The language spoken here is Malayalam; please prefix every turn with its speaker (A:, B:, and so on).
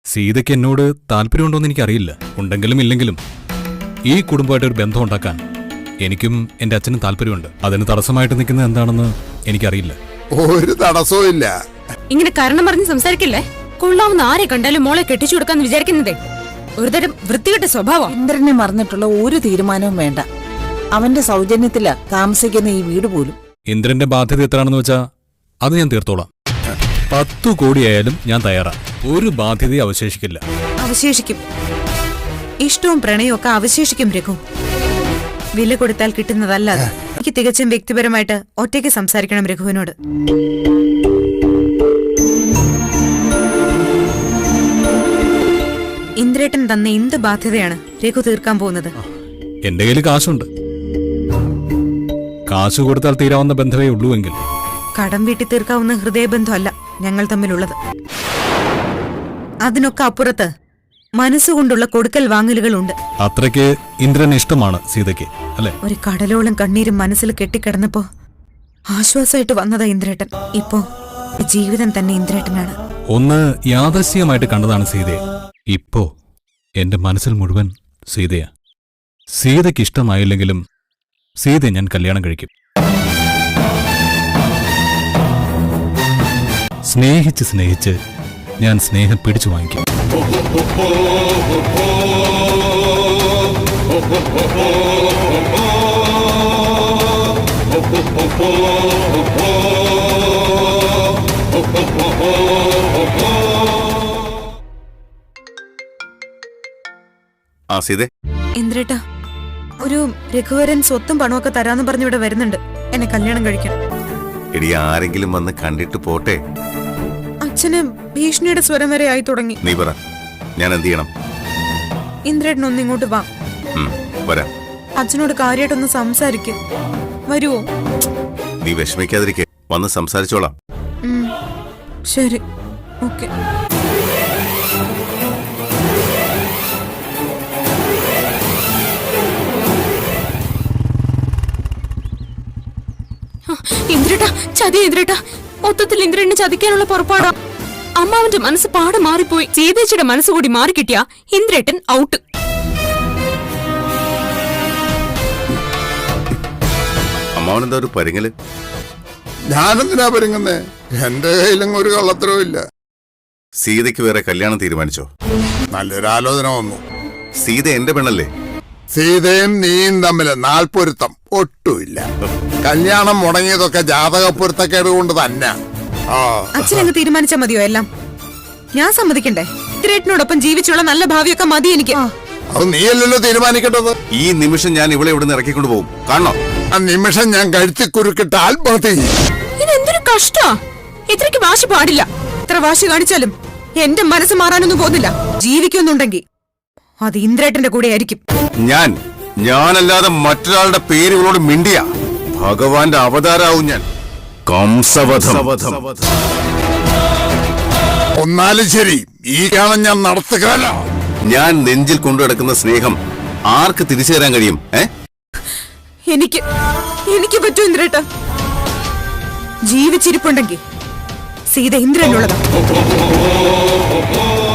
A: സീതയ്ക്ക് എന്നോട് താല്പര്യമുണ്ടോന്ന് എനിക്കറിയില്ല. ഉണ്ടെങ്കിലും ഇല്ലെങ്കിലും ഈ കുടുംബമായിട്ട് ഒരു ബന്ധം ഉണ്ടാക്കാൻ എനിക്കും എന്റെ അച്ഛനും താല്പര്യമുണ്ട്. അതിന് തടസ്സമായിട്ട് നിൽക്കുന്നത് എന്താണെന്ന് എനിക്കറിയില്ല.
B: ഒരു തടസ്സവും ഇല്ല.
C: ഇങ്ങനെ കാരണം പറഞ്ഞ് സംസാരിക്കില്ലേ? കൊള്ളാവുന്ന ആരെ കണ്ടാലും മോളെ കെട്ടിച്ചു കൊടുക്കാന്ന് വിചാരിക്കുന്നതേ ഒരുതരം വൃത്തികെട്ട സ്വഭാവം.
D: ഇന്ദ്രനെ മറന്നിട്ടുള്ള ഒരു തീരുമാനവും വേണ്ട. അവന്റെ സൗജന്യത്തിലാ താമസിക്കുന്ന ഈ വീട് പോലും.
A: ഇന്ദ്രന്റെ ബാധ്യത എത്രയാണെന്ന് വെച്ചാ അത് ഞാൻ തീർത്തോളാം. 10 കോടിയായാലും ഞാൻ തയ്യാറാ. ഒരു ബാധ്യതയും അവശേഷിക്കില്ല.
C: അവശേഷിക്കും. ഇഷ്ടവും പ്രണയവും ഒക്കെ അവശേഷിക്കും രഘു. വില കൊടുത്താൽ കിട്ടുന്നതല്ല അത്. എനിക്ക് തികച്ചും വ്യക്തിപരമായിട്ട് ഒറ്റയ്ക്ക് സംസാരിക്കണം രഘുവിനോട്. ഇന്ദ്രേട്ടൻ തന്ന എന്ത് ബാധ്യതയാണ് രഘു തീർക്കാൻ പോകുന്നത്?
A: എന്റെ കയ്യിൽ കാശുണ്ട്. കാശ് കൊടുത്താൽ തീരാവുന്ന ബന്ധമേ ഉള്ളൂ എങ്കിൽ
C: കടം വീട്ടി തീർക്കാവുന്ന ഹൃദയബന്ധമല്ല ഞങ്ങൾ തമ്മിലുള്ളത്. അതിനൊക്കെ അപ്പുറത്ത് മനസ്സുകൊണ്ടുള്ള കൊടുക്കൽ വാങ്ങലുകളുണ്ട്.
A: അത്രയ്ക്ക് ഇന്ദ്രൻ ഇഷ്ടമാണ് സീതയ്ക്ക്, അല്ലെ?
C: ഒരു കടലോളം കണ്ണീരും മനസ്സിൽ കെട്ടിക്കിടന്നപ്പോ ആശ്വാസമായിട്ട് വന്നതാ ഇന്ദ്രേട്ടൻ. ഇപ്പോ ജീവിതം തന്നെ ഇന്ദ്രേട്ടനാണ്.
A: ഒന്ന് യാദൃശ്യമായിട്ട് കണ്ടതാണ് സീതയെ. ഇപ്പോ എന്റെ മനസ്സിൽ മുഴുവൻ സീതയാ. സീതയ്ക്ക് ഇഷ്ടമായില്ലെങ്കിലും സീതയെ ഞാൻ കല്യാണം കഴിക്കും. സ്നേഹിച്ച് സ്നേഹിച്ച് ഞാൻ സ്നേഹം പിടിച്ചു വാങ്ങിക്കും.
C: ഇന്ദ്രേട്ടാ, ഒരു രഘുവരൻ സ്വത്തും പണമൊക്കെ തരാന്ന് പറഞ്ഞ് ഇവിടെ വരുന്നുണ്ട്. എന്നെ കല്യാണം കഴിക്കണം.
B: എടി, ആരെങ്കിലും വന്ന് കണ്ടിട്ട് പോട്ടെ.
C: അച്ഛന് ഭീഷണിയുടെ സ്വരം വരെ ആയി തുടങ്ങി.
B: നീ പറ, ഞാൻ എന്ത് ചെയ്യണം?
C: ഇന്ദ്രേട്ടൻ ഒന്ന് ഇങ്ങോട്ട് വാ.
B: വരാം.
C: അച്ഛനോട് കാര്യമായിട്ടൊന്ന് സംസാരിക്കും. വരുവോ?
B: നീ വിഷമിക്കാതിരിക്കെ, വന്ന് സംസാരിച്ചോളാം.
C: ശരി, ഓക്കെ. ഇന്ദ്രേട്ടാ, ചതി ഇന്ദ്രേട്ടാ. മൊത്തത്തിൽ ഇന്ദ്രനെ ചതിക്കാനുള്ള പുറപ്പാടാ. അമ്മാവന്റെ മനസ്സ് പാടെ മാറിപ്പോയി. സീതേച്ചിയുടെ മനസ്സുകൂടി മാറിക്കിട്ടിയ ഇന്ദ്രേട്ടൻ ഔട്ട്.
B: അമ്മാവനെന്താ ഒരു പരിങ്ങല്? ഞാനെന്തിനാ പരിങ്ങുന്നേ? എന്റെ കയ്യിലും ഒരു കള്ളത്തരവും ഇല്ല. സീതയ്ക്ക് വേറെ കല്യാണം തീരുമാനിച്ചോ? നല്ലൊരു ആലോചന വന്നു. സീത എന്റെ പെണ്ണല്ലേ? സീതയും നീയും തമ്മില് നാൽപ്പൊരുത്തം ഒട്ടുമില്ല. കല്യാണം മുടങ്ങിയതൊക്കെ ജാതകപ്പൊരുത്തക്കേട് കൊണ്ട് തന്നെ.
C: അച്ഛനങ്ങ് തീരുമാനിച്ചാ മതിയോ എല്ലാം? ഞാൻ സമ്മതിക്കണ്ടേ? ഇന്ദ്രേട്ടനോടൊപ്പം ജീവിച്ചുള്ള നല്ല ഭാവിയൊക്കെ മതി എനിക്ക്.
B: അത് നീയല്ലല്ലോ തീരുമാനിക്കേണ്ടത്. ഈ നിമിഷം ഞാൻ ഇവിടെ ഇവിടുന്ന് ഇറക്കിക്കൊണ്ടു പോകും. കാണോ? ആ നിമിഷം ഞാൻ കഴുത്തി കുരുക്കിട്ട് ആത്മഹത്യ ചെയ്യും.
C: ഇതെന്തൊരു കഷ്ടാ. ഇത്രയ്ക്ക് വാശി പാടില്ല. ഇത്ര വാശി കാണിച്ചാലും എന്റെ മനസ്സ് മാറാനൊന്നും പോകുന്നില്ല. ജീവിക്കുന്നുണ്ടെങ്കിൽ അത് ഇന്ദ്രേട്ടന്റെ കൂടെ ആയിരിക്കും.
B: ഞാനല്ലാതെ മറ്റൊരാളുടെ പേര് ഇവളോട് മിണ്ടിയ ഭഗവാന്റെ അവതാരാവും ഞാൻ. കംസവധം. ഒന്നാലും ശരി, ഈ കാണാൻ ഞാൻ നടത്തുകയല്ല. ഞാൻ നെഞ്ചിൽ കൊണ്ടുനടക്കുന്ന സ്നേഹം ആർക്ക് തിരിച്ചു തരാൻ കഴിയും?
C: എനിക്ക് പറ്റൂ ഇന്ദ്രേട്ട. ജീവിച്ചിരിപ്പുണ്ടെങ്കിൽ സീത ഇന്ദ്രനുള്ളതാ.